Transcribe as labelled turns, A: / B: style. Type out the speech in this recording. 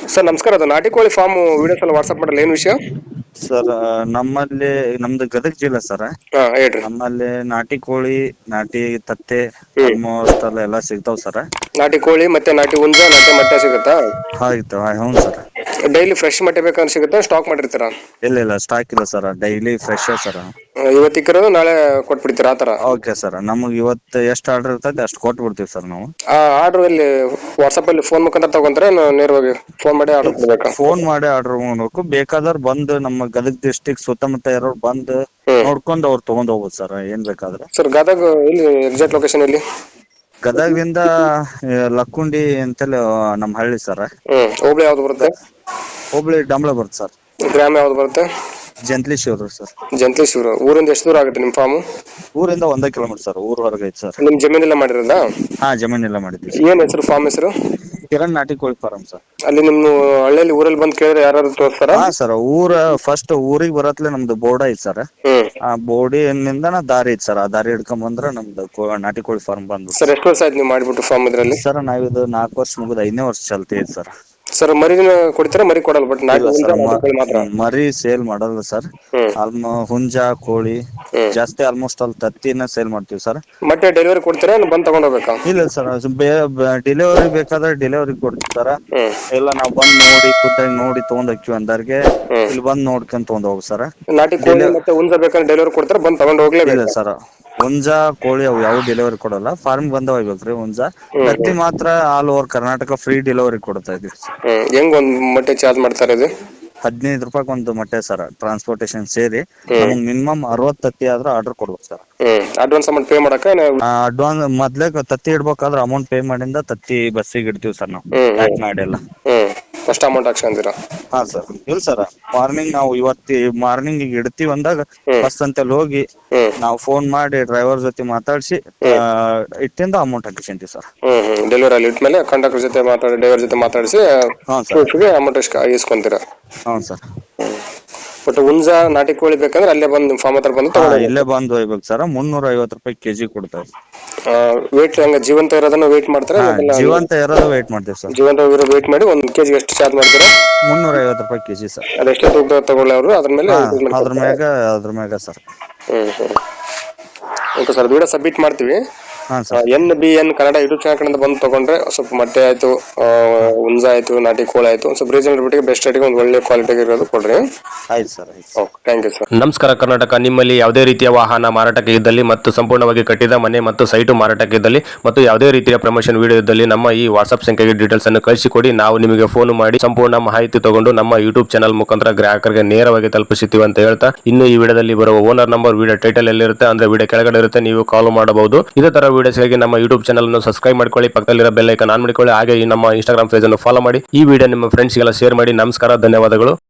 A: Sir ನಮಸ್ಕಾರ. ಅದು ನಾಟಿ ಕೋಳಿ ಫಾರ್ಮ್ ವಿಡಿಯೋಸ್ ಎಲ್ಲ ವಾಟ್ಸ್ಆಪ್ ಮಾಡಲ್ಲ, ಏನು ವಿಷಯ?
B: ಸರ್ ನಮ್ಮಲ್ಲಿ ನಮ್ದು ಗದಗ ಜಿಲ್ಲೆ ಸರ್.
A: ಹಾ, ಹೇಳ್ರಿ.
B: ನಮ್ಮಲ್ಲಿ ನಾಟಿ ಕೋಳಿ, ನಾಟಿ ತತ್ತೆ
A: ಹ್ಮ್
B: ಆಲ್ಮೋಸ್ಟ್ ಎಲ್ಲ ಸಿಗ್ತಾವ್ ಸರ್.
A: ನಾಟಿ ಕೋಳಿ ಮತ್ತೆ ನಾಟಿ ಹುಂಜ, ನಾಟಿ ಮೊಟ್ಟೆ ಸಿಗುತ್ತಾ?
B: ಆಯ್ತು, ಹ್ಞೂ ಸರ್.
A: ಡೈಲಿ ಫ್ರೆಶ್ ಮೊಟ್ಟೆ ಬೇಕಂದ್ರೆ ಸಿಗುತ್ತಾ, ಸ್ಟಾಕ್ ಮಾಡಿರ್ತೀರಾ?
B: ಇಲ್ಲ ಸ್ಟಾಕ್ ಇಲ್ಲ ಸರ್, ಡೈಲಿ ಫ್ರೆಶ್ ಸರ್.
A: ಇವತ್ತಿಕ್ಕಿರೋದು ನಾಳೆ ಕೊಟ್ಬಿಡ್ತೀರಾ, ಆ ಥರ?
B: ಓಕೆ ಸರ್, ನಮಗೆ ಇವತ್ತು ಎಷ್ಟು ಆರ್ಡರ್ ಇರ್ತದೆ ಅಷ್ಟು ಕೊಟ್ಟು ಬಿಡ್ತೀವಿ ಸರ್ ನಾವು.
A: ಆ ಆರ್ಡರ್ ಇಲ್ಲಿ ವಾಟ್ಸಪ್ ಅಲ್ಲಿ ಫೋನ್ ಮುಖಾಂತರ ತಗೊಂತಾರೆ, ನೇರವಾಗಿ ಫೋನ್ ಮಾಡಿ ಆರ್ಡರ್ ಕೊಡ್ಬೇಕಾ?
B: ಫೋನ್ ಮಾಡಿ ಆರ್ಡರ್ ಮಾಡ್ಬೇಕು. ಬೇಕಾದವ್ರು ಬಂದು ನಮ್ಮ ಗದಗ ಡಿಸ್ಟಿಕ್ ಸುತ್ತಮುತ್ತ ಇರೋರು ಬಂದು ನೋಡ್ಕೊಂಡು ಅವ್ರು ತಗೊಂಡ್ ಹೋಗ್ಬೋದು ಸರ್, ಏನ್ ಬೇಕಾದ್ರೆ.
A: ಸರ್ ಗದಗ ಇಲ್ಲಿ ಎಕ್ಸಾಕ್ಟ್ ಲೊಕೇಶನ್ ಎಲ್ಲಿ?
B: ಗದಗದಿಂದ ಲಕ್ಕುಂಡಿ ಅಂತೇಳಿ ನಮ್ಮ ಹಳ್ಳಿ ಸರ್.
A: ಹೋಬಳಿ ಯಾವ್ದು ಬರುತ್ತೆ?
B: ಹುಬ್ಳಿ ಡಂಬಳ ಬರುತ್ತೆ ಸರ್.
A: ಗ್ರಾಮ ಯಾವ್ದು ಬರುತ್ತೆ?
B: ಜಂತ್ಲಿಶೂರು ಸರ್.
A: ಜಂತ್ಲೇಶ್ವರ. ಊರಿಂದ ಎಷ್ಟು ದೂರ ಆಗುತ್ತೆ ನಿಮ್ಮ ಫಾರ್ಮ್?
B: ಊರಿಂದ 1 ಕಿಲೋಮೀಟರ್ ಸರ್, ಊರ್ ಹೊರಗೆ ಐತೆ ಸರ್.
A: ನಿಮ್ ಜಮೀನೆಲ್ಲ ಮಾಡಿರೋದಾ?
B: ಹಾ, ಜಮೀನೆಲ್ಲ ಮಾಡಿದ್ವಿ ಸರ್.
A: ಏನ್ ಹೆಸರು ಫಾರ್ಮ್ ಹೆಸರು?
B: ಕಿರಣ್ ನಾಟಿ ಕೋಳಿ ಫಾರಂ ಸರ್.
A: ಅಲ್ಲಿ ನಿಮ್ಮ ಹಳ್ಳಿಯಲ್ಲಿ ಊರಲ್ಲಿ ಬಂದು ಕೇಳಿದ್ರೆ ಯಾರು ತೋರಿಸ್ತಾರ?
B: ಹಾ ಸರ್, ಫಸ್ಟ್ ಊರಿಗೆ ಬರತ್ಲೆ ನಮ್ದು ಬೋರ್ಡ್ ಐತಿ ಸರ್. ಆ ಬೋರ್ಡಿನಿಂದ ದಾರಿ ಐತಿ ಸರ್, ಆ ದಾರಿ ಹಿಡ್ಕೊಂಡ್ ಬಂದ್ರೆ ನಮ್ದು ನಾಟಿ ಕೋಳಿ ಫಾರ್ಮ್ ಬಂದು.
A: ಸರ್ ಎಷ್ಟು ವರ್ಷ ಆಯ್ತು ನೀವು ಮಾಡ್ಬಿಟ್ಟು ಫಾರ್ಮ್ ಇದ್ರಲ್ಲಿ?
B: ಸರ್ ನಾವಿದು 4 ವರ್ಷ ಮುಗಿದ 5ನೇ ವರ್ಷ ಚಾಲ್ತಿ ಐತಿ ಸರ್.
A: ಸರ್ ಮರಿನ ಕೊಡ್ತೀರಾ? ಮರಿ ಕೊಡಲ್ಲ, ಬಟ್ ನಾಟಿ
B: ಇಲ್ಲ ಸರ್,
A: ಮಾತ್ರ?
B: ಮರಿ ಸೇಲ್ ಮಾಡಲ್ಲ ಸರ್. ಹುಂಜ ಕೋಳಿ ಜಾಸ್ತಿ, ಆಲ್ಮೋಸ್ಟ್ ಅಲ್ಲಿ ತತ್ತಿನ ಸೇಲ್ ಮಾಡ್ತೀವಿ ಸರ್.
A: ಮತ್ತೆ ಡೆಲಿವರಿ ಕೊಡ್ತೀರಾ, ಬಂದು ತಗೊಂಡ್ ಹೋಗ್ಬೇಕಾ?
B: ಇಲ್ಲ ಸರ್, ಡೆಲಿವರಿ ಬೇಕಾದ್ರೆ ಡೆಲಿವರಿ ಕೊಡ್ತಾರ. ಇಲ್ಲ ನಾವು ಬಂದ್ ನೋಡಿ ಖುದ್ದಾಗಿ ನೋಡಿ ತಗೊಂಡ್ ಹೋಗ್ತೀವಿ ಅಂದರ್ಗೆ ಇಲ್ಲಿ ಬಂದ್ ನೋಡ್ಕೊಂಡ್ ತಗೊಂಡ್ ಹೋಗ್ ಸರ್.
A: ನಾಟಿ ಕೋಳಿ ಮತ್ತೆ ಹುಂಜ ಬೇಕಾದ್ರೆ ಡೆಲಿವರಿ ಕೊಡ್ತಾರೆ, ಬಂದು ತಗೊಂಡ್ ಹೋಗ್ಲೇಬೇಕು?
B: ಇಲ್ಲ ಸರ್, ಹುಂಜ ಕೋಳಿ ಅವು ಯಾವ ಡೆಲಿವರಿ ಕೊಡಲ್ಲ, ಫಾರ್ಮ್ ಬಂದ ಹೋಗ್ಬೇಕ್ರಿ. ಹುಂಜ ತತ್ತಿ ಮಾತ್ರ all over Karnataka free delivery ಕೊಡ್ತಾ ಇದೀವಿ.
A: ಹೆಂಗ್ ಒಂದ್ ಮೊಟ್ಟೆ ಚಾರ್ಜ್ ಮಾಡ್ತಾರೆ ಇದು?
B: 15 ರೂಪಾಯಿ ಒಂದು ಮೊಟ್ಟೆ ಸರ್, ಟ್ರಾನ್ಸ್ಪೋರ್ಟೇಶನ್ ಸೇರಿ. ನಮಗೆ ಮಿನಿಮಮ್ 60 ತತ್ತಿ ಆದ್ರೆ ಆರ್ಡರ್ ಕೊಡ್ಬೇಕು ಸರ್.
A: ಅಡ್ವಾನ್ಸ್ ಅಮೌಂಟ್ ಪೇ ಮಾಡಕ?
B: ಅಡ್ವಾನ್ಸ್ ಮೊದ್ಲೇ ತತ್ತಿ ಇಡ್ಬೇಕಾದ್ರೆ ಅಮೌಂಟ್ ಪೇ ಮಾಡಿಂದ ತತ್ತಿ ಬಸ್ಸಿಗೆ ಇಡ್ತೀವಿ ಸರ್ ನಾವು, ಪ್ಯಾಕ್ ಮಾಡಿ ಎಲ್ಲ.
A: ಫಸ್ಟ್ ಅಮೌಂಟ್ ಹಾಕ್ಸ್ಕೊಂತೀರಾ?
B: ಹಾ ಸರ್. ಇಲ್ಲ ಸರ್, ಮಾರ್ನಿಂಗ್ ನಾವು ಮಾರ್ನಿಂಗ್ ಈಗ ಇಡ್ತೀವಿ ಅಂದಾಗ ಬಸ್ ಅಂತಲ್ಲಿ ಹೋಗಿ ನಾವು ಫೋನ್ ಮಾಡಿ ಡ್ರೈವರ್ ಜೊತೆ ಮಾತಾಡಿಸಿ ಇಟ್ಟಿಂದ ಅಮೌಂಟ್ ಹಾಕಿಸ್ಕೊಂತೀವಿ ಸರ್.
A: ಡೆಲಿವರಿ ಅಲ್ಲಿ ಇಟ್ಮೇಲೆ ಕಂಡಕ್ಟರ್ ಜೊತೆ ಮಾತಾಡಿ, ಡ್ರೈವರ್ ಜೊತೆ ಮಾತಾಡಿಸಿ ಅಮೌಂಟ್ ಇಸ್ಕೊಂತೀರಾ?
B: ಹ್ಞೂ ಸರ್.
A: ಬಟ್ ಹುಂಜ ನಾಟಿ ಕೋಳಿ ಬೇಕಂದ್ರೆ ಅಲ್ಲೇ ಬಂದು ಫಾರ್ಮ್ ಹತ್ರ ಬಂದು
B: ಇಲ್ಲೇ ಬಂದು ಹೋಗ್ಬೇಕು ಸರ್. 350 ರೂಪಾಯಿ ಕೆಜಿ ಕೊಡ್ತಾರೆ.
A: ವೇಟ್ ಹಂಗ ಜೀವಂತ ಇರೋದನ್ನ ವೇಟ್ ಮಾಡ್ತಾರೆ?
B: ಜೀವಂತ ಇರೋದು ವೇಟ್ ಮಾಡ್ತೀವಿ ಸರ್.
A: ಜೀವಂತ ವೇಟ್ ಮಾಡಿ 1 ಕೆಜಿ ಎಷ್ಟು ಚಾರ್ಜ್ ಮಾಡ್ತೀರಾ?
B: 350 ರೂಪಾಯಿ ಕೆಜಿ ಸರ್.
A: ಅದೆಷ್ಟೇ ತೂಕ ತಗೊಳ್ಳಿ ಅವರು, ಅದ್ರ ಮೇಲೆ
B: ಅದ್ರ ಮ್ಯಾಗ sir.
A: Okay sir, video submit ಮಾಡ್ತೀವಿ.
B: ಹಾಂ sir.
A: NBN Kannada YouTube channel ಕಡೆಯಿಂದ ಬಂದು ತಗೊಂಡ್ರೆ ಸ್ವಲ್ಪ ಮೊಟ್ಟೆ ಆಯ್ತು, ಹುಂಜ ಆಯ್ತು, ನಾಟಿ ಕೋಳಿ ಆಯ್ತು, ಸ್ವಲ್ಪ ರೀಸನಬಲ್ ರೇಟಿಗೆ ಬೆಸ್ಟ್ ರೇಟಿಗೆ ಒಂದು ಒಳ್ಳೆ ಕ್ವಾಲಿಟಿಗೆ ಇರೋದು ಕೊಡ್ರಿ.
B: ಆಯ್ತು sir.
A: Okay, thank you sir.
C: ನಮಸ್ಕಾರ ಕರ್ನಾಟಕ. ನಿಮ್ಮಲ್ಲಿ ಯಾವುದೇ ರೀತಿಯ ವಾಹನ ಮಾರಾಟಕ್ಕೆ ಇದ್ದಲ್ಲಿ ಮತ್ತು ಸಂಪೂರ್ಣವಾಗಿ ಕಟ್ಟಿದ ಮನೆ ಮತ್ತು ಸೈಟು ಮಾರಾಟಕ್ಕೆ ಇದ್ದಲ್ಲಿ ಮತ್ತು ಯಾವುದೇ ರೀತಿಯ ಪ್ರಮೋಷನ್ ವಿಡಿಯೋ ಇದ್ದಲ್ಲಿ ನಮ್ಮ ಈ ವಾಟ್ಸ್ಆಪ್ ಸಂಖ್ಯೆಗೆ ಡೀಟೇಲ್ಸ್ ಅನ್ನು ಕಳಿಸಿಕೊಡಿ. ನಾವು ನಿಮಗೆ ಫೋನ್ ಮಾಡಿ ಸಂಪೂರ್ಣ ಮಾಹಿತಿ ತಗೊಂಡು ನಮ್ಮ ಯೂಟ್ಯೂಬ್ ಚಾನಲ್ ಮುಖಾಂತರ ಗ್ರಾಹಕರಿಗೆ ನೇರವಾಗಿ ತಲುಪಿಸುತ್ತೀವಿ ಅಂತ ಹೇಳ್ತಾ, ಇನ್ನು ಈ ವಿಡಿಯೋದಲ್ಲಿ ಬರುವ ಓನರ್ ನಂಬರ್ ವಿಡಿಯೋ ಟೈಟಲ್ ಎಲ್ಲಿರುತ್ತೆ ಅಂದ್ರೆ ವಿಡಿಯೋ ಕೆಳಗಡೆ ಇರುತ್ತೆ, ನೀವು ಕಾಲ್ ಮಾಡಬಹುದು. ಇದೇ ತರ ವಿಡಿಯೋಸ್ಗಾಗಿ ನಮ್ಮ ಯೂಟ್ಯೂಬ್ ಚಾನಲ್ ಅನ್ನು ಸಬ್ಸ್ಕ್ರೈಬ್ ಮಾಡ್ಕೊಳ್ಳಿ, ಪಕ್ಕದಲ್ಲಿರೋ ಬೆಲ್ ಐಕಾನ್ ಆನ್ ಮಾಡಿಕೊಳ್ಳಿ, ಹಾಗೆ ಈ ನಮ್ಮ ಇನ್ಸ್ಟಾಗ್ರಾಮ್ ಪೇಜ್ ಅನ್ನು ಫಾಲೋ ಮಾಡಿ. ಈ ವಿಡಿಯೋ ನಿಮ್ಮ ಫ್ರೆಂಡ್ಸ್ಗೆಲ್ಲ ಶೇರ್ ಮಾಡಿ. ನಮಸ್ಕಾರ, ಧನ್ಯವಾದಗಳು.